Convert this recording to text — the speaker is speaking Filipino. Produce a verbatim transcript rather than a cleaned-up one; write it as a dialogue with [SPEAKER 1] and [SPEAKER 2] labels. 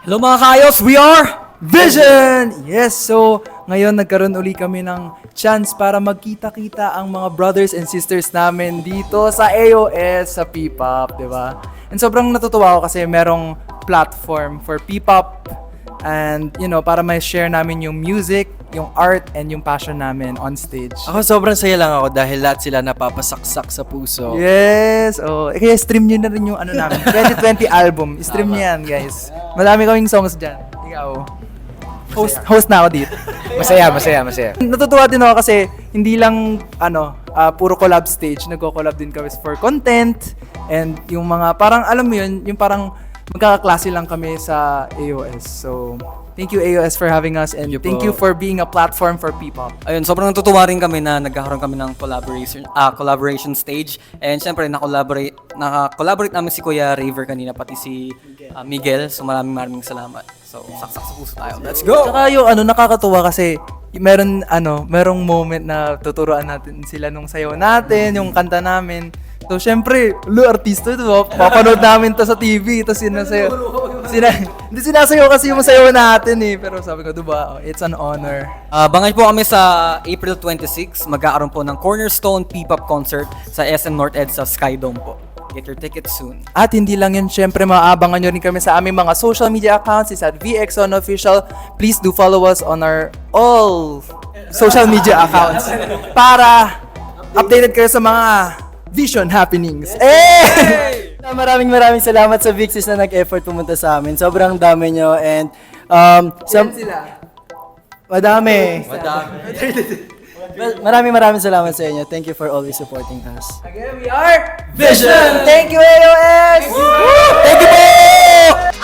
[SPEAKER 1] Hello mga kayos, we are
[SPEAKER 2] Vision! Yes, so ngayon nagkaroon uli kami ng chance para magkita-kita ang mga brothers and sisters namin dito sa A O S, sa P-pop, di ba? And sobrang natutuwa ako kasi merong platform for P-pop and, you know, para may share namin yung music, yung art, and yung passion namin on stage.
[SPEAKER 1] Ako sobrang saya lang ako dahil lahat sila napapasaksak sa puso.
[SPEAKER 2] Yes! Oh, eh, kaya stream nyo na rin yung ano namin, twenty twenty album. Stream nyo yan, guys. Madami kaming songs dyan. Ikaw. Host, host na ako dito.
[SPEAKER 3] Masaya, masaya, masaya.
[SPEAKER 2] Natutuwa din ako kasi hindi lang ano, ah, puro collab stage, nagko-collab din kami for content and yung mga parang alam mo yun, yung parang magkakaklase lang kami sa A O S. So, thank you A O S for having us and
[SPEAKER 1] Thank you
[SPEAKER 2] thank
[SPEAKER 1] po.
[SPEAKER 2] you for being a platform for P-pop.
[SPEAKER 1] Ayun, sobrang natutuwa rin kami na nagkakaroon kami ng collaboration ah collaboration stage. And syempre, na-collaborate, naka-collaborate namin si Kuya Raver kanina, pati si ah, Miguel. So maraming maraming salamat. So, saksak sa puso tayo. Let's go!
[SPEAKER 2] Tsaka yung ano, nakakatuwa kasi meron ano, merong moment na tuturuan natin sila nung sayaw natin, yung kanta namin. So, syempre, lo artista ito, oh. Papanood namin to sa T V, tapos sinasayaw. Sina, hindi sinasayaw kasi yung sayaw natin eh. Pero sabi ko, diba, oh, it's an honor.
[SPEAKER 1] Ah, bangay po kami sa April twenty-sixth. Magkakaroon po ng Cornerstone P-pop concert sa S M North Ed sa Skydome po. Get your tickets soon.
[SPEAKER 2] At hindi lang yun, syempre maaabangan nyo rin kami sa aming mga social media accounts. It's at V X on Official. Please do follow us on our all social media accounts para updated kayo sa mga Vision happenings. Eh!
[SPEAKER 4] Maraming maraming salamat sa Vixis na nag-effort pumunta sa amin. Sobrang dami nyo and um, sa, madami.
[SPEAKER 1] Madami.
[SPEAKER 4] Maraming maraming salamat sa inyo. Thank you for always supporting us.
[SPEAKER 2] Again, we are
[SPEAKER 1] Vision!
[SPEAKER 2] Thank you A O S!
[SPEAKER 1] Thank you po!